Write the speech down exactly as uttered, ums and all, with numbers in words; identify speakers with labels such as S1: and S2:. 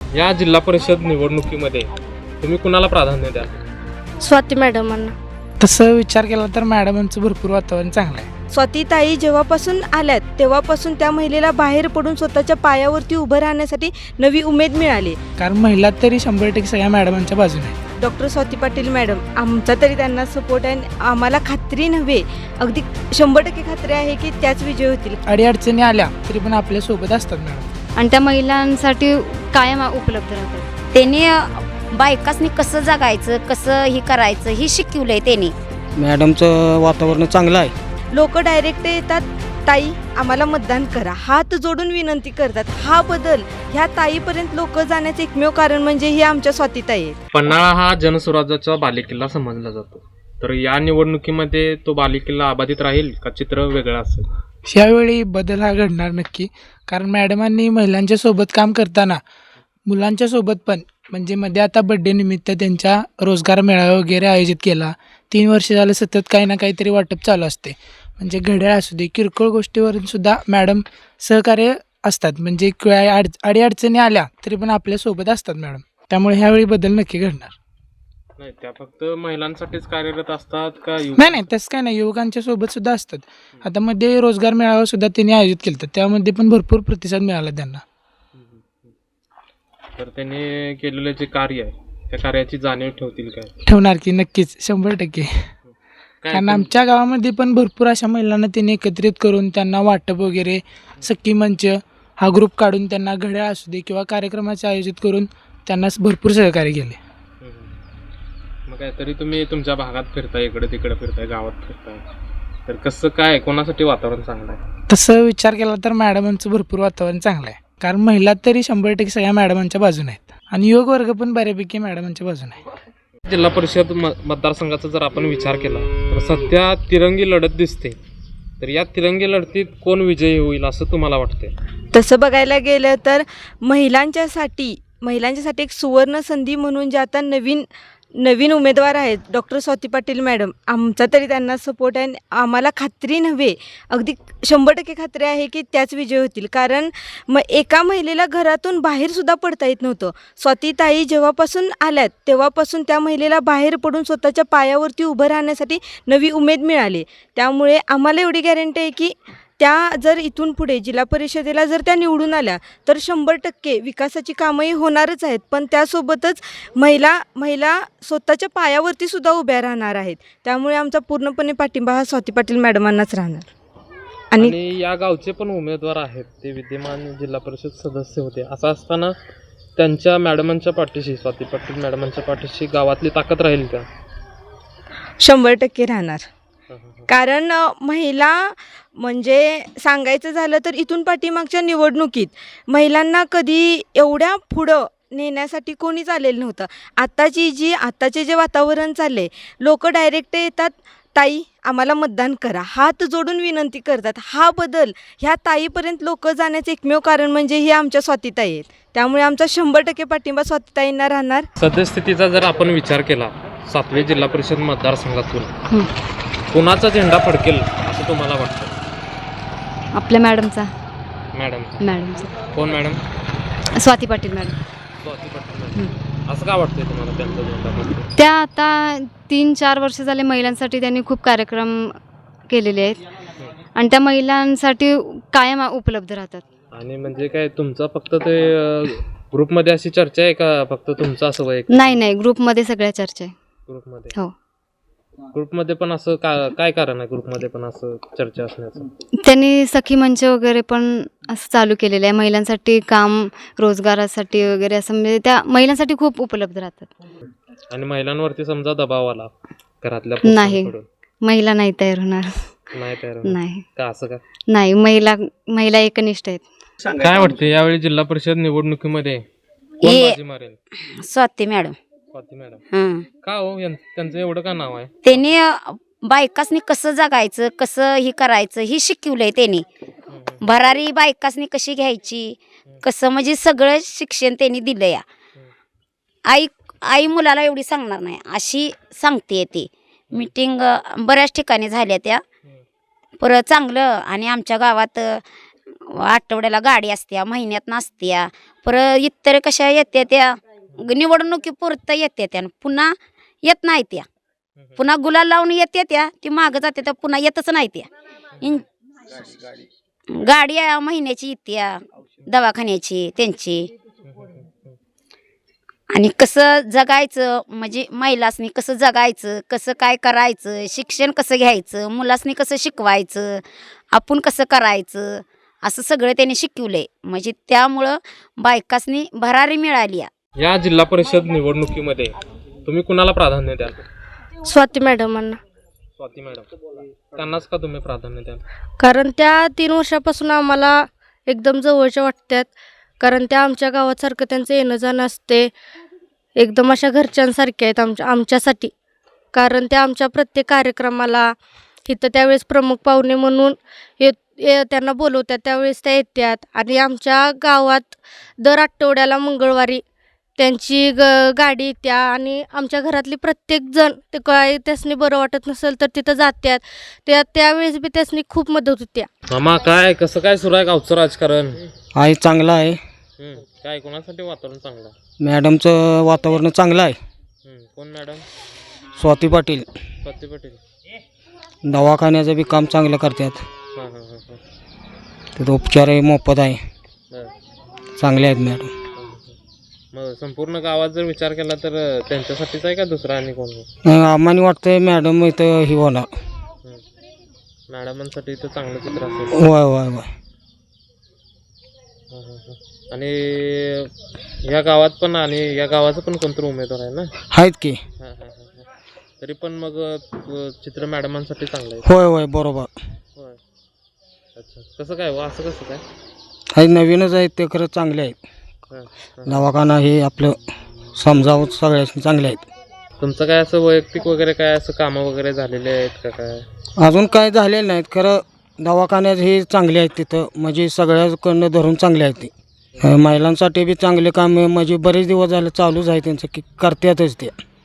S1: या जिल्हा परिषद निवडणुकीमध्ये तुम्ही कुणाला प्राधान्य द्याल?
S2: स्वाती मॅडमांना.
S3: तसं विचार केला तर मॅडमांचं भरपूर वातावरण चांगलं आहे.
S2: स्वातीताई जेव्हापासून आल्यात तेव्हापासून त्या महिलेला बाहेर पडून स्वतःच्या पायावरती उभं राहण्यासाठी नवी उमेद मिळाली.
S3: कारण महिला तरी शंभर टक्के सगळ्या मॅडमांच्या बाजूने आहे.
S2: डॉक्टर स्वाती पाटील मॅडम, आमचा तरी त्यांना सपोर्ट आहे. आम्हाला खात्री नव्हे, अगदी शंभर टक्के खात्री आहे की त्याच विजय होतील.
S3: अडीअडचणी आल्या तरी पण आपल्या सोबत असतात मॅडम.
S4: आणि त्या महिलांसाठी कायम उपलब्ध राहतात.
S5: त्यांनी बायकासनी कसं जगायचं, कसं हे करायचं हे शिकवलंय त्यांनी.
S6: मॅडमचं वातावरण चांगलं आहे.
S2: लोक डायरेक्ट येतात, ताई आम्हाला मतदान करा, हात जोडून विनंती करतात. हा बदल ह्या ताईपर्यंत लोक जाण्याचे एकमेव कारण म्हणजे ही आमच्या स्वातीताई आहेत.
S1: पन्हाळा हा जनस्वराज्याचा बालेकिल्ला समजला जातो, तर या निवडणुकीमध्ये तो बालेकिल्ला अबाधित राहील का चित्र वेगळं असेल?
S3: यावेळी बदल हा घडणार नक्की. कारण मॅडमांनी महिलांच्या सोबत काम करताना मुलांच्या सोबत पण, म्हणजे मध्ये आता बड्डे निमित्त त्यांच्या रोजगार मेळावा वगैरे आयोजित केला. तीन वर्ष झालं सतत काही ना काहीतरी वाटप चालू असते. म्हणजे घड्याळ असू दे, किरकोळ गोष्टीवरून सुद्धा मॅडम सहकार्य असतात. म्हणजे काय अड अडीअडचणी आल्या तरी पण आपल्यासोबत असतात मॅडम. त्यामुळे ह्यावेळी बदल नक्की घडणार.
S1: नाही, त्या फक्त महिलांसाठीच कार्यरत असतात का?
S3: नाही नाही तसं काय नाही, युवकांच्या सोबत सुद्धा असतात. आता मध्ये रोजगार मेळावा सुद्धा त्यांनी आयोजित केला होता, त्यामध्ये पण भरपूर प्रतिसाद मिळाला त्यांना.
S1: तर त्यांनी केलेलं जे कार्य आहे त्या कार्याची जाणीव ठेवतील काय?
S3: ठेवणार की नक्कीच, शंभर टक्के. कारण आमच्या गावामध्ये पण भरपूर अशा महिलांना त्यांनी एकत्रित करून त्यांना वाटप वगैरे, सखी मंच हा ग्रुप काढून त्यांना घड्याळ असू दे किंवा कार्यक्रमाचे आयोजित करून त्यांना भरपूर सहकार्य केले.
S1: मग काय तरी तुम्ही तुमच्या भागात फिरताय, इकडे तिकडे फिरताय, गावात फिरताय, तर कसं काय, कोणासाठी वातावरण चांगलं आहे?
S3: तसं विचार केला तर मॅडमांचं भरपूर वातावरण चांगलं आहे. कारण महिला तरी शंभर टक्के सगळ्या मॅडमांच्या बाजूने आहेत आणि युवक वर्ग पण बऱ्यापैकी मॅडमांच्या बाजूने आहे.
S1: जिल्हा परिषद म मतदारसंघाचा जर आपण विचार केला तर सध्या तिरंगी लढत दिसते, तर या तिरंगी लढतीत कोण विजयी होईल असं तुम्हाला वाटते?
S2: तसं बघायला गेलं तर महिलांच्यासाठी महिलांच्यासाठी एक सुवर्ण संधी म्हणून जे आता नवीन नवीन उमेदवार आहेत डॉक्टर स्वाती पाटील मॅडम, आमचा तरी त्यांना सपोर्ट आहे. आम्हाला खात्री नव्हे, अगदी शंभर टक्के खात्री आहे की त्याच विजय होतील. कारण मग एका महिलेला घरातून बाहेरसुद्धा पडता येत नव्हतं. स्वातीताई जेव्हापासून आल्यात तेव्हापासून त्या महिलेला बाहेर पडून स्वतःच्या पायावरती उभं राहण्यासाठी नवी उमेद मिळाली. त्यामुळे आम्हाला एवढी गॅरंटी आहे की त्या जर इथून पुढे जिल्हा परिषदेला जर त्या निवडून आल्या तर शंभर टक्के विकासाची कामंही होणारच आहेत. पण त्यासोबतच महिला महिला स्वतःच्या पायावरती सुद्धा उभ्या राहणार आहेत. त्यामुळे आमचा पूर्णपणे पाठिंबा हा स्वाती पाटील मॅडमांनाच राहणार. आणि
S1: आणि या गावचे पण उमेदवार आहेत, ते विद्यमान जिल्हा परिषद सदस्य होते. असं असताना त्यांच्या मॅडमांच्या पाठीशी, स्वाती पाटील मॅडमांच्या पाठीशी गावातली ताकद राहील का?
S2: शंभर टक्के राहणार. कारण महिला म्हणजे सांगायचं झालं तर इथून पाठीमागच्या निवडणुकीत महिलांना कधी एवढ्या पुढं नेण्यासाठी कोणीच आलेलं नव्हतं. आत्ताची जी आत्ताचे जे वातावरण चालले, लोक डायरेक्ट येतात, ताई आम्हाला मतदान करा, हात जोडून विनंती करतात. हा बदल ह्या ताईपर्यंत लोक जाण्याचे एकमेव कारण म्हणजे ही आमच्या स्वातीताई आहेत. त्यामुळे आमचा शंभर टक्के पाठिंबा स्वातीताईंना राहणार.
S1: सद्यस्थितीचा जर आपण विचार केला सातवे जिल्हा परिषद मतदारसंघातून कुणाचा झेंडा फडकेल असं तुम्हाला वाटतं?
S4: आपल्या मॅडमचा
S1: मॅडम
S4: मॅडमचा
S1: कोण madam?
S4: Swati Patil madam.
S1: Swati Patil madam. असं का वाटतंय तुम्हाला त्यांचा झेंडा फडकेल?
S4: त्या आता तीन चार वर्ष झाले महिलांसाठी त्यांनी खूप कार्यक्रम केलेले आहेत आणि त्या महिलांसाठी कायम उपलब्ध राहतात.
S1: आणि म्हणजे काय तुमचा फक्त ते ग्रुपमध्ये अशी चर्चा आहे का फक्त तुमचं असं वैयक्तिक?
S4: नाही नाही ग्रुपमध्ये सगळ्या चर्चा आहे.
S1: ग्रुपमध्ये
S4: हो,
S1: ग्रुपमध्ये पण असं का काय कारण आहे ग्रुपमध्ये पण असं चर्चा असण्याचं?
S4: त्यांनी सखी मंच वगैरे पण असं चालू केलेलं आहे महिलांसाठी, काम रोजगारासाठी वगैरे, असं म्हणजे त्या महिलांसाठी खूप उपलब्ध राहतात.
S1: आणि महिलांवरती समजा दबाव आला घरातल्या
S4: नाही,
S1: पुरुषांकडून,
S4: महिला नाही तयार होणार.
S1: नाही तयार होणार.
S4: नाही
S1: का असं का?
S4: नाही, महिला महिला एकनिष्ठ आहेत.
S1: काय वाटते यावेळी जिल्हा परिषद निवडणुकीमध्ये कोण
S5: ये-
S1: बाजी मारेल?
S5: स्वाती मॅडम.
S1: स्वाती मॅडम.
S5: हं.
S1: का हो यां- त्यांचं एवढं का नाव आहे?
S5: त्यांनी बायकासनी कसं जगायचं, कसं हे करायचं हे शिकवलंय त्यांनी. भरारी बायकासनी कशी घ्यायची, कसं म्हणजे सगळं शिक्षण त्यांनी दिलं. या आई आई मुलाला एवढी सांगणार नाही अशी सांगते. ती मीटिंग बऱ्याच ठिकाणी झाल्या त्या. परत चांगलं आणि आमच्या गावात आठवड्याला गाडी असत्या, महिन्यात नसत्या. परत इतर कशा येत्या त्या निवडणुकीपुरतं येते त्या, पुन्हा येत नाही त्या. पुन्हा गुलाल लावून येते त्या, ती मागं जाते त्या, पुन्हा येतच नाही त्या. इन गाडी आहे महिन्याची येत्या दवाखान्याची त्यांची. आणि कसं जगायचं म्हणजे महिलासनी कसं जगायचं, कसं काय करायचं, शिक्षण कसं घ्यायचं, मुलासनी कसं शिकवायचं, आपण कसं करायचं, असं सगळं त्यांनी शिकवलंय. म्हणजे त्यामुळं बायकासनी भरारी मिळाली.
S1: या जिल्हा परिषद निवडणुकीमध्ये तुम्ही कुणाला प्राधान्य द्याल?
S2: स्वाती मॅडमांना.
S1: स्वाती मॅडम, त्यांनाच का तुम्ही प्राधान्य द्याल?
S2: कारण त्या तीन वर्षापासून आम्हाला एकदम जवळच्या वाटतात. कारण त्या आमच्या गावासारखं त्यांचं येणं जाणं असते, एकदम अशा घरच्यांसारख्या आहेत आमच्या आमच्यासाठी. कारण त्या आमच्या प्रत्येक कार्यक्रमाला इथं त्यावेळेस प्रमुख पाहुणे म्हणून येत ये त्यांना बोलवतात, त्यावेळेस त्या येतात. आणि आमच्या गावात दर आठवड्याला मंगळवारी त्यांची ग गाडी येत्या आणि आमच्या घरातली प्रत्येकजण ते काय त्यासनी बरं वाटत नसेल तर तिथं जातात. त्या त्यावेळेस बी त्यासनी खूप मदत होत्या.
S1: मामा, काय कसं काय सुरू आहे गावचं राजकारण?
S6: आहे चांगलं आहे.
S1: हम्म, काय कोणासाठी वातावरण चांगलं आहे?
S6: मॅडमचं वातावरण चांगलं आहे.
S1: हम्म, कोण मॅडम?
S6: स्वाती पाटील
S1: स्वाती पाटील.
S6: दवाखान्याचं बी काम चांगलं करतात.
S1: हां हां हां हां.
S6: तिथं उपचारही मोफत आहे.
S1: बरं.
S6: चांगले आहेत मॅडम.
S1: मग संपूर्ण गावात जर विचार केला तर त्यांच्यासाठीच आहे का दुसरा आणि कोण?
S6: अं, आम्हाला वाटतंय मॅडम इथं ही होणार.
S1: हम्म. मॅडमांसाठी तर चांगलं चित्र असेल.
S6: होय होय होय.
S1: हां हां हां. आणि या गावात पण आणि या गावाचा पण कोणतरी उमेदवार आहे ना?
S6: आहेत की.
S1: हां हां हां हां. तरी पण मग अ, चित्र मॅडमांसाठी चांगलं आहे.
S6: होय होय बरोबर.
S1: होय. अच्छा, कसं काय हो, असं कसं काय?
S6: हे नवीनच आहेत ते खरं चांगले आहेत.
S1: हां हां.
S6: दवाखाना हे आपलं समजावं सगळ्यांनी चांगले आहेत.
S1: तुमचं काय असं वैयक्तिक वगैरे काय असं कामं वगैरे झालेले आहेत का काय?
S6: अजून काय झालेलं नाहीत खरं. दवाखान्यात हे चांगले आहेत तिथं, म्हणजे सगळ्याकडनं धरून चांगले आहेत ते. अं, महिलांसाठी बी चांगले काम म्हणजे बरेच दिवस झाले चालूच आहे त्यांचं की करतातच ते.